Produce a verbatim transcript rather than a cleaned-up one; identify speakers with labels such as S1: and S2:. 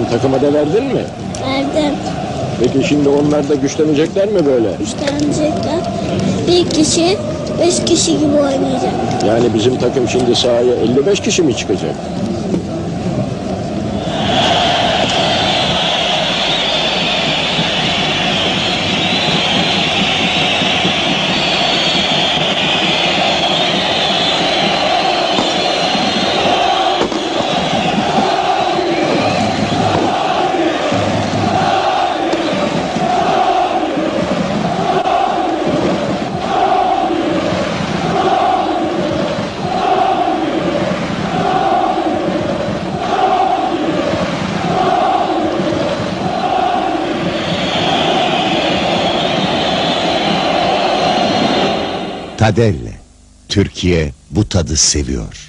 S1: takıma da verdin mi?
S2: Verdim.
S1: Peki şimdi onlar da güçlenecekler mi böyle?
S2: Güçlenecekler. Bir kişi beş kişi gibi oynayacak.
S1: Yani bizim takım şimdi sahaya elli beş kişi mi çıkacak?
S3: Tadelle. Türkiye bu tadı seviyor.